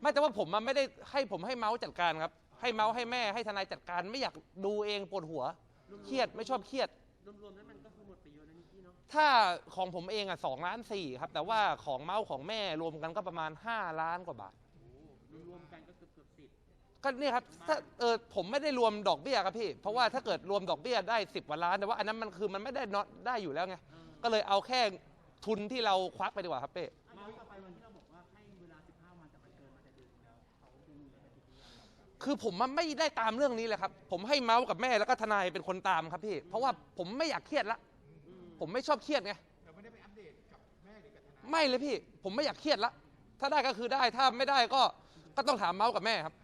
ไม่แต่ว่าผมมันไม่ได้ให้ผมให้เมาส์จัดการครับให้เมาส์ให้แม่ให้ทนายจัดการไม่อยากดูเองปวดหัวเครียดไม่ชอบเครียดรวมๆแล้วมันก็คือหมดไปเยอะนะนิกกี้เนาะถ้าของผมเองอ่ะ2.4 ล้านครับแต่ว่าของเมาส์ของแม่รวมกันก็ประมาณ5 ล้านกว่าบาทรวมกันก็เกือบ10 ก็นี่ครับถ้าผมไม่ได้รวมดอกเบี้ยครับพี่เพราะว่าถ้าเกิดรวมดอกเบี้ยได้10 กว่าล้านแต่ว่าอันนั้นมันคือมันไม่ได้น็อตได้อยู่แล้วไงก็เลยเอาแค่ทุนที่เราควักไปดีกว่าครับเป้เมาส์ต่อไปวันที่เราบอกว่าให้เวลา15 วันแต่มันเกินมาแต่เดือนแล้วเขาดูมีปฏิกิริยาคือผมมันไม่ได้ตามเรื่องนี้เลยครับผมให้เมาส์กับแม่แล้วก็ทนายเป็นคนตามครับพี่เพราะว่าผมไม่อยากเครียดละผมไม่ชอบเครียดไงเราไม่ได้ไปอัปเดตกับแม่หรือกับทนายไม่เลยพี่ผมไม่อยากเครียดละถ้าได้ก็คือได้ถ้าไม่ได้ก็ต้องถามเมาส์กับแม่ครับ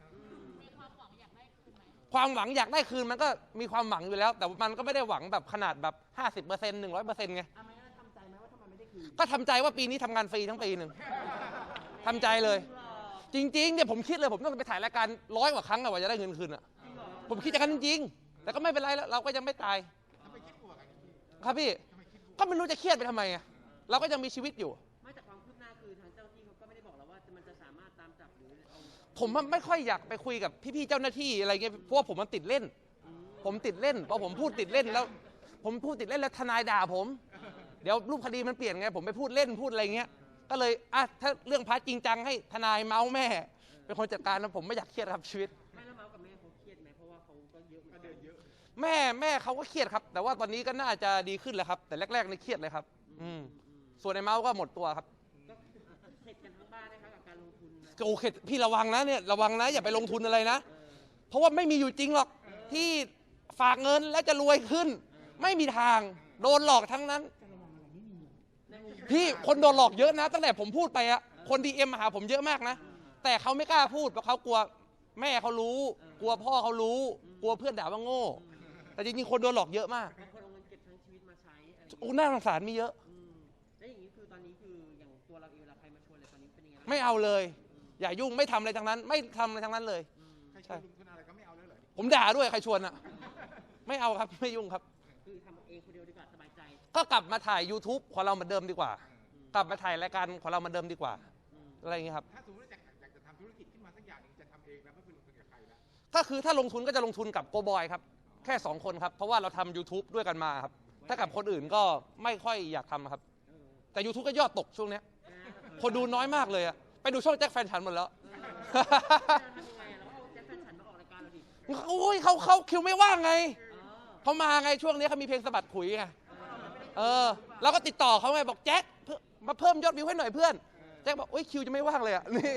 ความหวังอยากได้คืนมันก็มีความหวังอยู่แล้วแต่มันก็ไม่ได้หวังแบบขนาดแบบ50% 100%ไงทำใจไหมว่าทำไมไม่ได้คืนก็ทำใจว่าปีนี้ทำงานฟรีทั้งปีหนึ่งทำใจเลยจริงๆเนี่ยผมคิดเลยผมต้องไปถ่ายรายการ100 กว่าครั้งกว่าจะได้เงินคืนอ่ะผมคิดอย่างนั้นจริงๆแต่ก็ไม่เป็นไรแล้วเราก็ยังไม่ตายครับพี่ก็ไม่รู้จะเครียดไปทำไมอ่ะเราก็ยังมีชีวิตอยู่ไม่แต่ความคืบหน้าคือทางเจ้าที่เขาก็ไม่ได้บอกเราว่ามันจะสามารถตามจับหรือผมไม่ค่อยอยากไปคุยกับพี่ๆเจ้าหน้าที่อะไรเงี้ยเพราะว่าผมมันติดเล่นผมติดเล่นพอผมพูดติดเล่นแล้วผมพูดติดเล่นแล้วทนายด่าผมเดี๋ยวรูปคดีมันเปลี่ยนไงผมไปพูดเล่นพูดอะไรเงี้ยก็เลยถ้าเรื่องพาร์ทจริงจังให้ทนายเมาส์แม่เป็นคนจัดการนะผมไม่อยากเครียดครับชีวิตไม่แล้วเมาส์กับแม่เขาเครียดไหมเพราะว่าเขาก็เยอะเดินเยอะแม่เขาก็เครียดครับแต่ว่าตอนนี้ก็น่าจะดีขึ้นแล้วครับแต่แรกๆนี่เครียดเลยครับส่วนในเมาส์ก็หมดตัวครับเข็ดกันทั้งบ้านนะคะกับการลงทุนโอเคพี่ระวังนะเนี่ยระวังนะอย่าไปลงทุนอะไรนะเพราะว่าไม่มีอยู่จริงหรอกที่ฝากเงินแล้วจะรวยขึ้นไม่มีทางโดนหลอกทั้งนั้นพี่คนโดนหลอกเยอะนะตั้งแต่ผมพูดไปอะคนDMมาหาผมเยอะมากนะแต่เขาไม่กล้าพูดเพราะเขากลัวแม่เขารู้กลัวพ่อเขารู้กลัวเพื่อนด่าว่าโง่แต่จริงๆคนโดนหลอกเยอะมากคนเอาเงินเก็บทั้งชีวิตมาใช้น่าสงสารมีเยอะแล้วอย่างนี้คือตอนนี้คืออย่างตัวเราเองเวลาใครมาชวนอะไรตอนนี้เป็นยังไงไม่เอาเลยอย่ายุ่งไม่ทำอะไรทั้งนั้นไม่ทำอะไรทั้งนั้นเลยใช่ลงทุนอะไรก็ไม่เอาเลยเหรอผมด่าด้วยใครชวนอะไม่เอาครับไม่ยุ่งครับคือทำเองคนเดียวดีกว่าสบายใจก็กลับมาถ่าย YouTube ของเราเหมือนเดิมดีกว่ากลับมาถ่ายรายการของเราเหมือนเดิมดีกว่าอะไรอย่างเงี้ยครับถ้าสมมติอยากจะทำธุรกิจขึ้นมาสักอย่างนึงจะทำเองแล้วไม่ไปลงทุนกับใครแล้วก็คือถ้าลงทุนก็จะลงทุนกับโกบอยครับแค่2 คนครับเพราะว่าเราทำ YouTube ด้วยกันมาครับถ้ากับคนอื่นก็ไม่ค่อยอยากทำครับแต่ YouTube ก็ยอดตกช่วงนี้คนดูน้อยมากเลยอะไปดูช่องแจ็คแฟนฉันหมดแล้วโอ้ยเขาคิวไม่ว่างไงเขามาไงช่วงนี้เขามีเพลงสะบัดขุยไงเราก็ติดต่อเขาไงบอกแจ็คมาเพิ่มยอดวิวให้หน่อยเพื่อนแจ็คบอกโอ้ยคิวจะไม่ว่างเลยอะนี่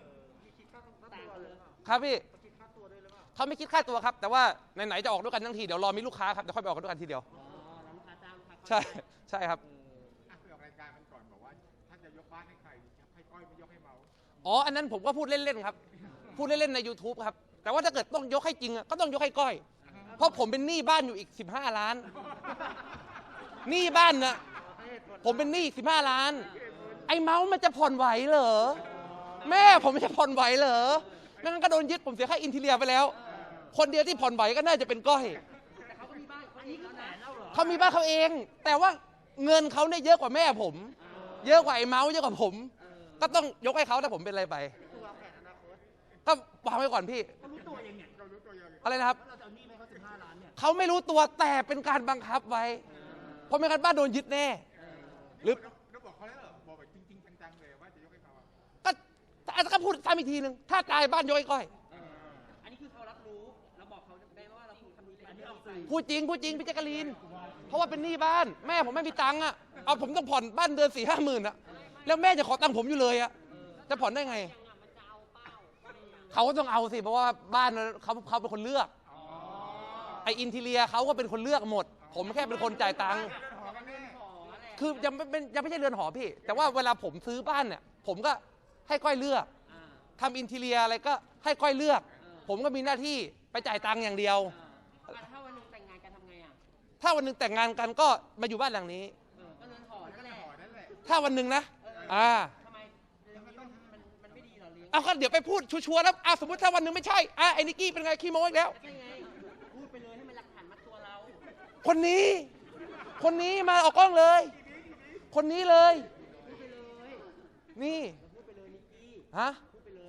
ครับพี่เขาไม่คิดค่าตัวครับแต่ว่าไหนๆจะออกด้วยกันทั้งทีเดี๋ยวรอมีลูกค้าครับเดี๋ยวค่อยไปออกด้วยกันทีเดียวใช่ครับไปออกรายการมันก่อนบอกว่าถ้าจะยกบ้านให้ใครให้ก้อยไม่ยกให้เมาอันนั้นผมก็พูดเล่นๆครับพูดเล่นๆใน YouTube ครับแต่ว่าถ้าเกิดต้องยกให้จริงก็ต้องยกให้ก้อยเพราะผมเป็นหนี้บ้านอยู่อีก15 ล้านหนี้บ้านนะผมเป็นหนี้15 ล้านไอ้เมาส์มันจะผ่อนไหวเหรอแม่ผมจะผ่อนไหวเหรอไม่งั้นก็โดนยึดผมเสียค่าอินทีเรียไปแล้วคนเดียวที่ผ่อนไหวก็น่าจะเป็นก้อยแต่เขาก็มีบ้านอันนี้คือแสนแล้วเหรอเขามีบ้านเขาเองแต่ว่าเงินเขาเนี่ยเยอะกว่าแม่ผมเยอะกว่าไอ้เมาส์เยอะกว่าผมก็ต้องยกให้เขาถ้าผมเป็นอะไรไปก็วางไว้ก่อนพี่เขารู้ตัวยังไงอะไรนะครับเราจะเอาหนี้ไปเขา15 ล้านเนี่ยเขาไม่รู้ตัวแต่เป็นการบังคับไว้เพราะไม่งั้นบ้านโดนยึดแน่หรือเราบอกเขาแล้วเหรอบอกแบบจริงๆจังๆเลยว่าจะยกให้เขาก็พูดซ้ำอีกทีนึงถ้าตายบ้านยกให้ก้อยอันนี้คือเขารับรู้เราบอกเขาได้ว่าเราทำดีอันนี้ออกไปพูดจริงพี่แจ๊กกะลีนเพราะว่าเป็นหนี้บ้านแม่ผมไม่มีตังค์อ่ะเอาผมต้องผ่อนบ้านเดือน4-5 หมื่นอ่ะแล้วแม่จะขอตังค์ผมอยู่เลยอ่ะจะผ่อนได้ไงเขาก็ต้องเอาสิเพราะว่าบ้านเขาเป็นคนเลือกไออินทีเรียเขาก็เป็นคนเลือกหมดผมแค่เป็นคนจ่ายตังค์คือยังไม่ใช่เรือนหอพี่แต่ว่าเวลาผมซื้อบ้านเนี่ยผมก็ให้ก้อยเลือกทำอินทีเรียอะไรก็ให้ก้อยเลือกผมก็มีหน้าที่ไปจ่ายตังค์อย่างเดียวถ้าวันนึงแต่งงานกันทำไงอ่ะถ้าวันนึงแต่งงานกันก็มาอยู่บ้านหลังนี้ก็เรือนหอนั่นแหละถ้าวันนึงนะทำไมมันไม่ดีหรอเลี้ยงเอาก็เดี๋ยวไปพูดชัวร์แล้วสมมติถ้าวันนึงไม่ใช่ไอ้นิกกี้เป็นไงขี้โม้อีกแล้วพูดไปเลยให้มันหลักฐานมัดตัวเราคนนี้มาออกกล้องเลยคนนี้เลยนี่พูดไปเลยนิกกี้ฮะพูดไปเลย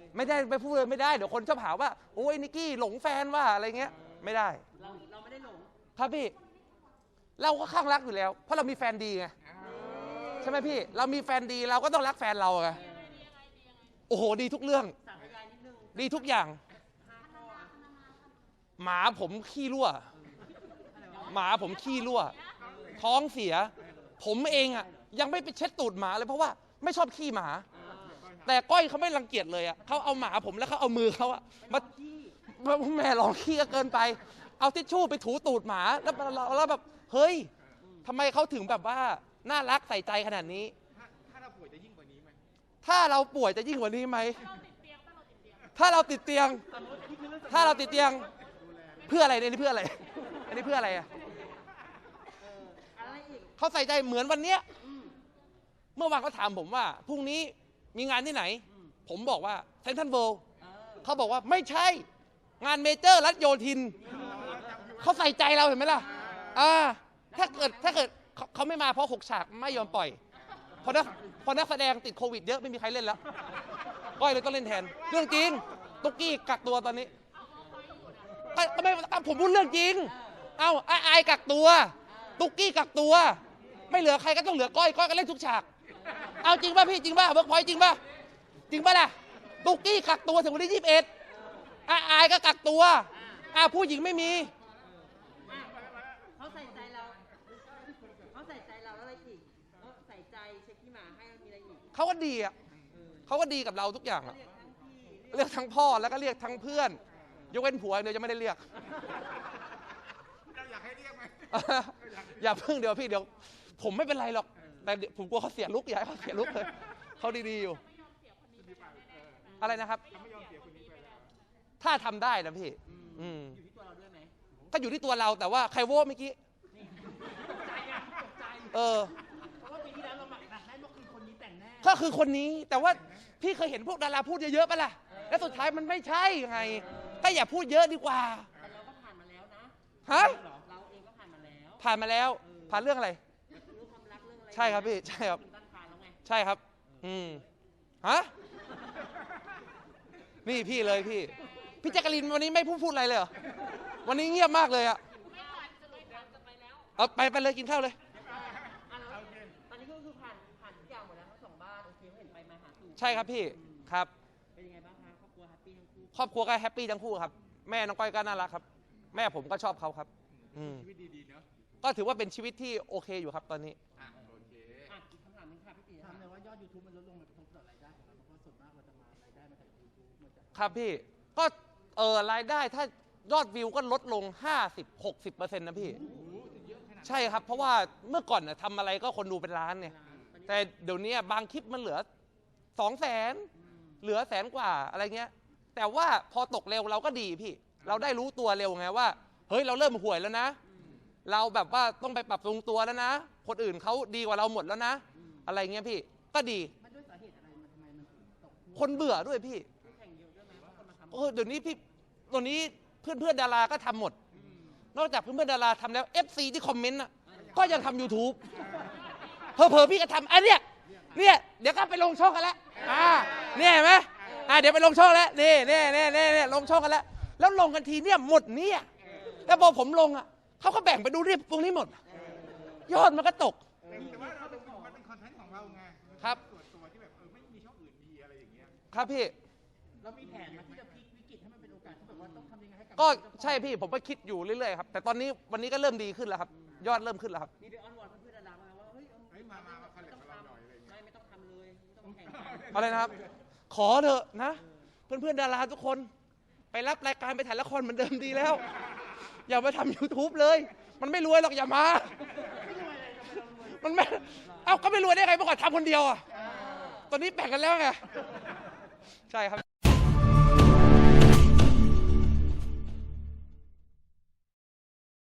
ไม่ได้ไปพูดเลยไม่ได้เดี๋ยวคนชอบหาว่าโอ้ยนิกกี้หลงแฟนว่าอะไรเงี้ยไม่ได้เราไม่ได้หลงครับพี่เราก็ข้างรักอยู่แล้วเพราะเรามีแฟนดีไงใช่ไหมพี่เรามีแฟนดีเราก็ต้องรักแฟนเราไงโอ้โหดีทุกเรื่องสาธยายนิดนึงดีทุกอย่าง 5 ข้ออะหมาผมขี้รั่วหมาผมขี้รั่วท้องเสีย ผมเองอ่ะยังไม่ไปเช็ดตูดหมาเลยเพราะว่าไม่ชอบขี้หมา แต่ก้อยเขาไม่รังเกียจเลยอ่ะเขาเอาหมาผมแล้วเขาเอามือเขาอ่ะมาแม่ลองขี้ก็เกินไป เอาทิชชู่ไปถูตูดหมาแล้วแบบเฮ้ยทำไมเขาถึงแบบว่าน่ารักใส่ใจขนาดนี้ถ้าเราป่วยจะยิ่งกว่านี้ไหมถ้าเราป่วยจะยิ่งกว่านี้ไหมถ้าเราติดเตียงถ้าเราติดเตียงเพื่ออะไรเนี่ยนี่เพื่ออะไรอันนี้เพื่ออะไรอ่ะอะไรอีกเขาใส่ใจเหมือนวันเนี้ยเมื่อวานเขาถามผมว่าพรุ่งนี้มีงานที่ไหน ผมบอกว่าเซนทรัลเวิลด์เขาบอกว่าไม่ใช่งานเมเจอร์รัฐโยธินเขาใส่ใจเราเห็นไหมล่ะถ้าเกิดเขาไม่มาเพราะ6 ฉากไม่ยอมปล่อยเพราะนักแสดงติดโควิดเยอะไม่มีใครเล่นแล้วก้อยเลยต้องเล่นแทนเรื่องจริงตุ๊กกี้กักตัวตอนนี้ก็ไม่ผมพูดเรื่องจริงอายกักตัวตุ๊กกี้กักตัวไม่เหลือใครก็ต้องเหลือก้อยก็เล่นทุกฉากเอาจริงป่ะพี่จริงป่ะเวิร์กพอยต์จริงป่ะล่ะตุ๊กกี้กักตัวถึงวันที่21อายก็กักตัวผู้หญิงไม่มีเขาใส่ใจเราแล้วอะไรอีกเขาใส่ใจเช็คที่หมาให้มีอะไรอีกเขาก็ดีอ่ะเขาก็ดีกับเราทุกอย่างอ่ะเรียกทั้งพ่อแล้วก็เรียกทั้งเพื่อนยกเว้นผัวเดี๋ยวจะไม่ได้เรียกเราอยากให้เรียกไหมอย่าเพิ่งเดี๋ยวพี่เดี๋ยวผมไม่เป็นไรหรอกแต่ผมกลัวเขาเสียลุกอย่าให้เขาเสียลุกเลยเขาดีๆอยู่อะไรนะครับไม่ยอมเสียคนนี้ไปแล้วถ้าทำได้นะพี่อยู่ที่ตัวเราด้วยไหมก็อยู่ที่ตัวเราแต่ว่าใครโว้เมื่อกี้ตกใจไงตกใจ เพราะว่าปีที่แล้วเราหมักแน่นว่าคือคนนี้แต่งแน่ก็คือคนนี้แต่ว่าพี่เคยเห็นพวกดาราพูดเยอะๆปะล่ะแล้วสุดท้ายมันไม่ใช่ไงก็อย่าพูดเยอะดีกว่าแต่เราก็ผ่านมาแล้วนะฮะเราเองก็ผ่านมาแล้วผ่านมาแล้วผ่านเรื่องอะไรเรื่องความรักเรื่องอะไรใช่ครับพี่ใช่ครับตั้งผ่านแล้วไงใช่ครับฮะนี่พี่เลยพี่แจ๊กกะลินวันนี้ไม่พูดอะไรเลยเหรอวันนี้เงียบมากเลยอะเอาไปเลยกินข้าวเลยตอนนี้ก็คือผ่านทุกอย่างหมดแล้วทั้ง2 บ้านโอเคเห็นไปมาหาสู่ใช่ครับพี่ครับเป็นยังไงบ้างคะครอบครัวแฮปปี้ทั้งคู่ครอบครัวก็แฮปปี้ทั้งคู่ครับแม่น้องก้อยก็น่ารักครับแม่ผมก็ชอบเขาครับชีวิตดีๆเนาะก็ถือว่าเป็นชีวิตที่โอเคอยู่ครับตอนนี้โอเคอีกคำถามหนึงค่ะพี่ตีถามเลยว่ายอด YouTube มันลดลงมันกระทบต่อรายได้ของเราเพราะว่าส่วนมากเราจะมารายได้มาจาก YouTube มาจากครับพี่ก็รายได้ถ้ายอดวิวก็ลดลง 50-60%นะพี่ใช่ครับเพราะว่าเมื่อก่อนทำอะไรก็คนดูเป็นล้านเนี่ยแต่เดี๋ยวนี้บางคลิปมันเหลือ 200,000เหลือ100,000 กว่าอะไรเงี้ยแต่ว่าพอตกเร็วเราก็ดีพี่เราได้รู้ตัวเร็วไงว่าเฮ้ยเราเริ่มห่วยแล้วนะเราแบบว่าต้องไปปรับปรุงตัวแล้วนะคนอื่นเขาดีกว่าเราหมดแล้วนะอะไรเงี้ยพี่ก็ดีมันด้วยสาเหตุอะไรมันทำไมมันถึงตกคนเบื่อด้วยพี่แข่งเยอะด้วยไหมว่าคนมาทำเดี๋ยวนี้พี่ตัวนี้เพื่อนดาราก็ทำหมด นอกจากเพื่อนดาราทำแล้ว FC ที่คอมเมนต์ก็ยังทำ YouTube เผลอๆพี่ก็ทำเนี่ยเดี๋ยวก็ไปลงช่องกันแล้วเนี่ยเห็นไหมเดี๋ยวไปลงช่องแล้วนี่ลงช่องกันแล้วแล้วลงกันทีเนี่ยหมดเนี่ยแล้วพอผมลงเขาก็แบ่งไปดูเรียบตรงนี้หมด ยอดมันก็ตกแต่ว่ามันเป็นคอนเทนต์ของเราไงครับส่วนตัวที่แบบไม่มีช่องอื่นดีอะไรอย่างเงี้ยครับพี่เรามีแผนมาที่จะพลิกวิกฤตให้มันเป็นโอกาสที่แบบว่าต้องทำยังไงให้กับก็ใช่พี่ผมก็คิดอยู่เรื่อยๆครับแต่ตอนนี้วันนี้ก็เริ่มดีขึ้นแล้วครับยอดเริ่มขึ้นแล้วครับมีไปอ้อนวอนเพื่อนๆดารามาว่าเฮ้ยมาคอลแลบกับเราหน่อยอะไรอย่างเงี้ยไม่ต้องทำเลยไม่ต้องแข่งอะไรนะครับ ขอเถอะนะ เพื่อนๆดาราทุกคนไปรับรายการไปถ่ายละครเหมือนเดิมดีแล้ว อย่ามาทำ YouTube เลย มันไม่รวยหรอกอย่ามามันไม่ก็ไม่รวยได้ไงเมื่อก่อนทำคนเดียวตอนนี้แบ่งกันแล้วไงใช่ครับ